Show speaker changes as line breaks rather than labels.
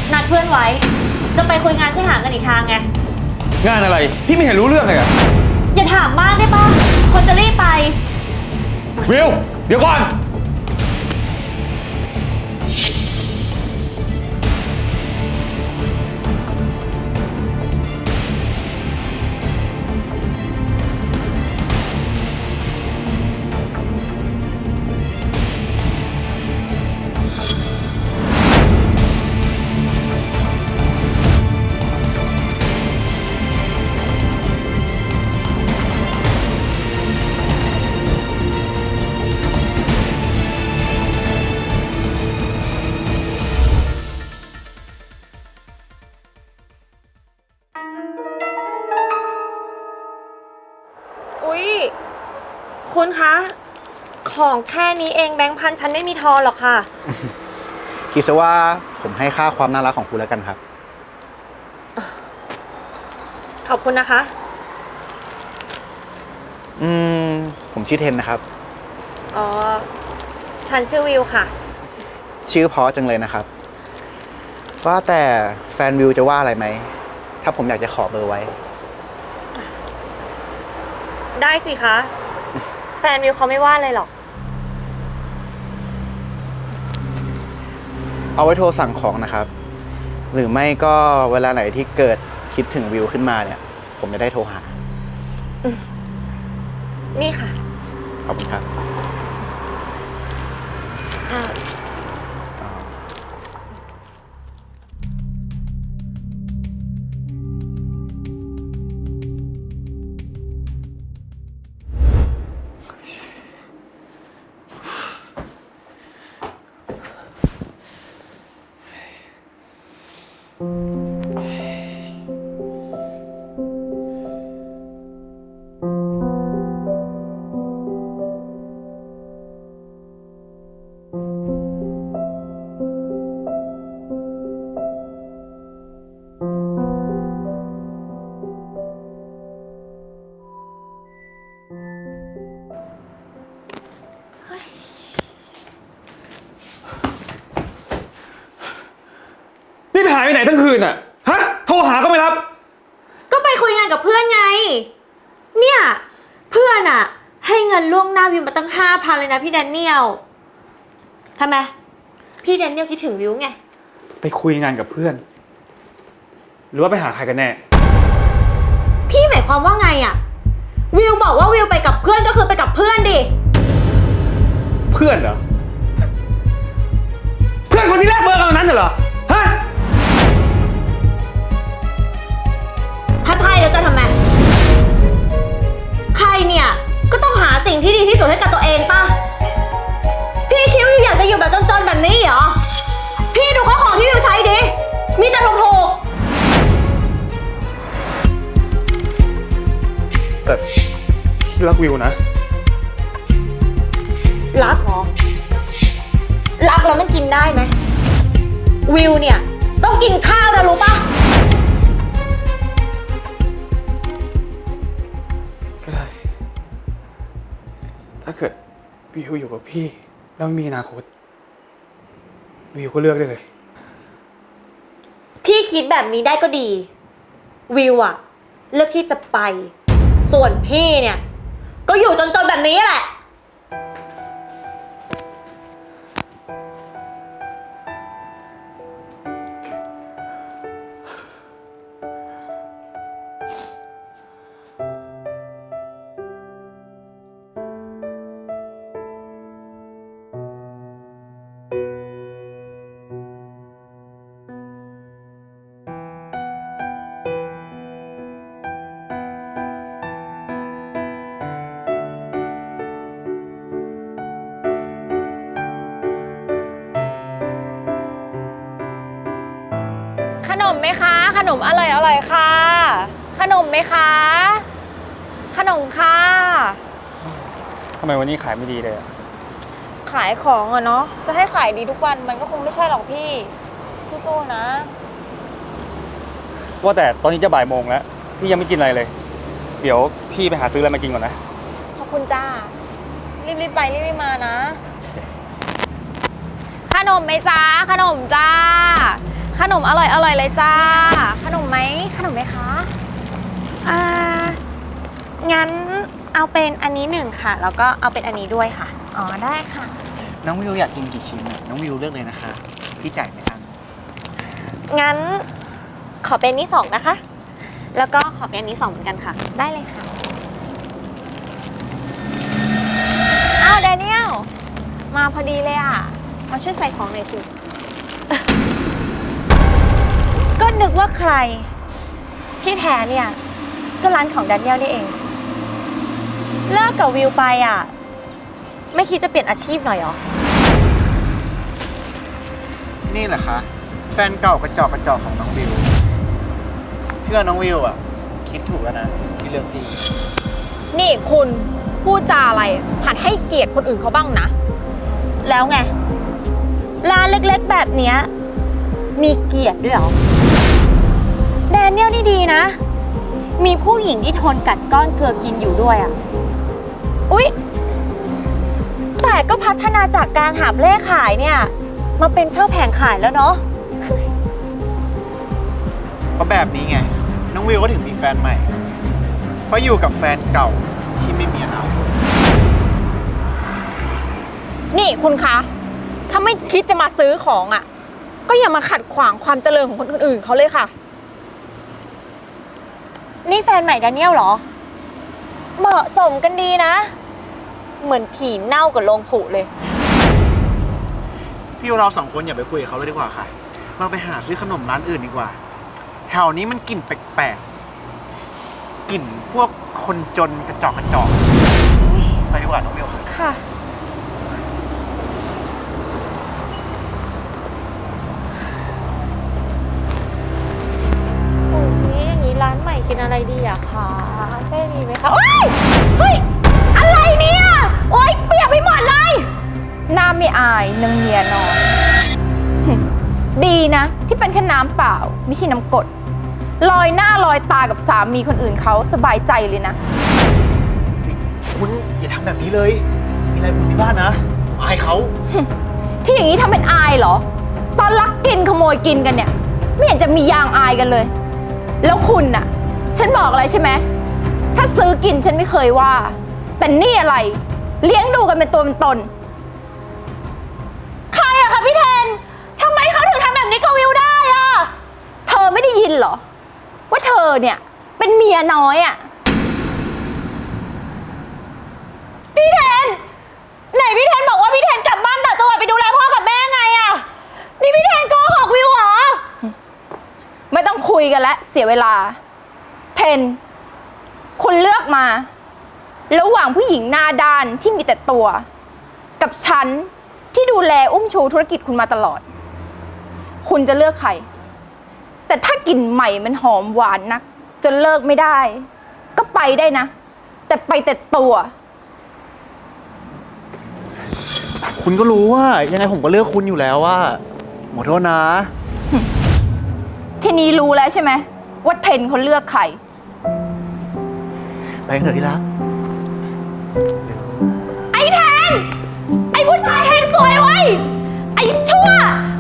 นัดเพื่อนไว้จะไปคุยงานช่วยหาเงินอีกทางไง
งานอะไรพี่ไม่เห็นรู้เรื่องเลยอะ
อย่าถามมากได้ปะคนจะรีบไป
วิวเดี๋ยวก่อน
อุ๊ยคุณคะของแค่นี้เองแบงค์พันฉันไม่มีทอนหรอกค่ะ
คิดซะว่าผมให้ค่าความน่ารักของคุณแล้วกันครับ
ขอบคุณนะคะ
ผมชื่อเทนนะครับ
อ๋อฉันชื่อวิวค่ะ
ชื่อเพราะจังเลยนะครับว่าแต่แฟนวิวจะว่าอะไรไหมถ้าผมอยากจะขอเบอร์ไว้
ได้สิคะแฟนวิวเขาไม่ว่าเลยหรอก
เอาไว้โทรสั่งของนะครับหรือไม่ก็เวลาไหนที่เกิดคิดถึงวิวขึ้นมาเนี่ยผมจะได้โทรหา
นี่ค่ะ
ขอบคุณครับ
นี่ไปหายไปไหนทั้งคืนอะฮะโทรหาก็ไม่รับ
ก็ไปคุยงานกับเพื่อนไงเนี่ยเพื่อนอะให้เงินล่วงหน้าวิวมาตั้ง5,000เลยนะพี่แดเนียลทำไมพี่แดเนียลคิดถึงวิวไง
ไปคุยงานกับเพื่อนหรือว่าไปหาใครกันแน่
พี่หมายความว่าไงอะวิวบอกว่าวิวไปกับเพื่อนก็คือไปกับเพื่อนดิ
เพื่อนเหรอเพื่อนคนที่แรกเบอร์กันนั้นเหรอฮะ
ถ้าใช่แล้วจะทำไมใครเนี่ยก็ต้องหาสิ่งที่ดีที่สุดให้กับตัวเองป่ะพี่คิดว่าอยากจะอยู่แบบจนๆแบบนี้เหรอพี่ดูข้าวของที่วิวใช้ดิมีแต่ถูก
แต่พี่รักวิวนะ
รักเหรอรักแล้วมันกินได้ไหมวิวเนี่ยต้องกินข้าวนะรู้ป่ะ
ก็ได้ถ้าเกิดวิวอยู่กับพี่แล้วมีอนาคตวิวก็เลือกได้เลย
พี่คิดแบบนี้ได้ก็ดีวิวอะเลือกที่จะไปส่วนพี่เนี่ยก็อยู่จนๆแบบนี้แหละ
ขนมไหมคะขนมอร่อยค่ะขนมไหมคะขนมค่ะ
ทำไมวันนี้ขายไม่ดีเลยอะ
ขายของอะเนาะจะให้ขายดีทุกวันมันก็คงไม่ใช่หรอกพี่สู้ๆนะ
ว่าแต่ตอนนี้จะบ่ายโมงแล้วพี่ยังไม่กินอะไรเลยเดี๋ยวพี่ไปหาซื้ออะไรมากินก่อนนะ
ขอบคุณจ้ารีบๆไปรีบๆมานะขนมไหมจ้าขนมจ้าขขนมอร่อยเลยจ้า ขนมไหมคะ
อ่า งั้นเอาเป็นอันนี้หนึ่งค่ะ แล้วก็เอาเป็นอันนี้ด้วยค่ะ
อ๋อได้ค่ะ
น้องวิวอยากกินกี่ชิ้นอะน้องวิวเลือกเลยนะคะ พี่จ่ายไม่อัน
งั้นขอเป็นนี้สองนะคะ แล้วก็ขอเป็นอันนี้สองเหมือนกันค่ะ
ได้เลยค่ะ อ้าวแดเนียล มาพอดีเลยอ่ะ มาช่วยใส่ของหน่อยสิ
ก็นึกว่าใคร ที่แท้เนี่ย ก็ร้านของแดเนียลนี่เอง เลิกกับวิวไปอ่ะ ไม่คิดจะเปลี่ยนอาชีพหน่อยเหรอ
นี่แหละคะแฟนเก่ากระจอกของน้องวิวเพื่อนน้องวิวอะคิดถูกแล้วนะที่เลือกพี่
นี่คุณพูดจาอะไรหัดให้เกียรติคนอื่นเขาบ้างนะ
แล้วไง ร้านเล็กๆแบบเนี้ยมีเกียรติด้วยเหรอ แดเนียลนี่ดีนะ มีผู้หญิงที่ทนกัดก้อนเกลือกินอยู่ด้วยอ่ะ อุ๊ย แต่ก็พัฒนาจากการหาบเล่ขายเนี่ย มาเป็นเช่าแผงขายแล้วเนาะ
เพราะแบบนี้ไง น้องวิวก็ถึงมีแฟนใหม่ เพราะอยู่กับแฟนเก่าที่ไม่มีอนาคต
นี่คุณคะ ถ้าไม่คิดจะมาซื้อของอ่ะ ก็อย่ามาขัดขวางความเจริญของคนอื่นเขาเลยค่ะ
นี่แฟนใหม่แดเนียลเหรอ เหมาะสมกันดีนะ เหมือนผีเน่ากับโลงผุเลย
พี่ว่าเราสองคนอย่าไปคุยกับเขาเลยดีกว่าค่ะ เราไปหาซื้อขนมร้านอื่นดีกว่า แถวนี้มันกลิ่นแปลกๆ กลิ่นพวกคนจนกระจอกไปดีกว่าน้องวิวค่ะ
ค่ะ โอ้ยอย่างนี้ร้านใหม่กินอะไรดีอะคะเป้มีไหมคะโอ้ยเฮ้ย อะไรเนี่ย โอ้ยเปียกไปหมดเลย
หน้าไม่อายนางเมียน้อย ดีนะที่เป็นแค่น้ำเปล่า ไม่ใช่น้ำกรดลอยหน้าลอยตากับสามีคนอื่นเขาสบายใจเลยนะ
คุณอย่าทำแบบนี้เลย มีอะไรบุญที่บ้านนะอายเขา
ที่อย่างนี้ทำเป็นอายเหรอ ตอนลักกินขโมยกินกันเนี่ย ไม่เห็นจะมียางอายกันเลย แล้วคุณน่ะ ฉันบอกอะไรใช่ไหมถ้าซื้อกินฉันไม่เคยว่า แต่นี่อะไร เลี้ยงดูกันเป็นตัวเป็นตน
ใครอะคะพี่แทน ทำไมเขาถึงทำแบบนี้กับวิวได้อะ
เธอไม่ได้ยินเหรอ ว่าเธอเนี่ย เป็นเมียน้อยอะ
พี่แทน ไหนพี่แทนบอกว่าพี่แทนกลับบ้านต่างจังหวัดไปดูแลพ่อกับแม่ไงอะนี่พี่แทนโกหกวิวเหรอ
ไม่ต้องคุยกันแล้วเสียเวลา เทน คุณเลือกมา ระหว่างผู้หญิงหน้าด้านที่มีแต่ตัว กับฉันที่ดูแลอุ้มชูธุรกิจคุณมาตลอด คุณจะเลือกใคร แต่ถ้ากลิ่นใหม่มันหอมหวานนักจนเลิกไม่ได้ ก็ไปได้นะ แต่ไปแต่ตัว
คุณก็รู้ว่ายังไงผมก็เลือกคุณอยู่แล้วว่าขอโทษนะ
ทีนี้รู้แล้วใช่ไหมว่าเทนเขาเลือกใคร
ไปกันเถอะที่รัก
ไอ้แทน ไอ้ผู้ชายแทงสวยเว้ย ไอ้ชั่ว